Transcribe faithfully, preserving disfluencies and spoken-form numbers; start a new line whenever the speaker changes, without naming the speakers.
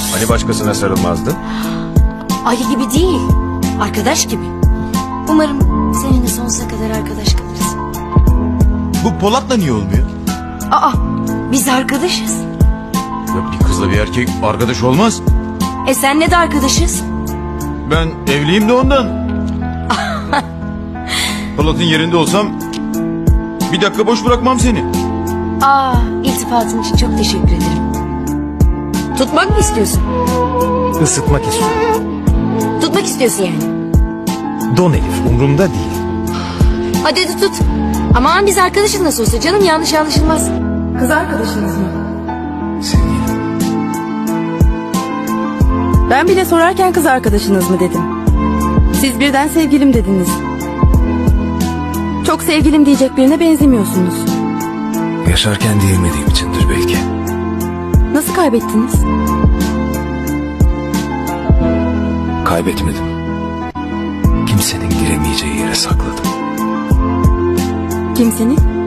Hani başkasına sarılmazdın?
Ayı gibi değil, arkadaş gibi. Umarım seninle sonsuza kadar arkadaş kalırız.
Bu Polat'la niye olmuyor?
Aa, biz arkadaşız.
Ya bir kızla bir erkek arkadaş olmaz.
E senle de arkadaşız.
Ben evliyim de ondan. Polat'ın yerinde olsam bir dakika boş bırakmam seni.
Aa, iltifatın için çok teşekkür ederim. Tutmak mı istiyorsun?
Isıtmak istiyorum.
Tutmak istiyorsun yani.
Don Elif, umurumda değil.
Hadi hadi tut. Aman biz arkadaşız nasıl olsa canım, yanlış anlaşılmaz.
Kız arkadaşınız mı?
Sevgilim.
Ben bile sorarken kız arkadaşınız mı dedim. Siz birden sevgilim dediniz. Çok sevgilim diyecek birine benzemiyorsunuz.
Yaşarken diyemediğim içindir belki.
Nasıl kaybettiniz?
Kaybetmedim. Kimsenin giremeyeceği yere sakladım.
Kimsenin?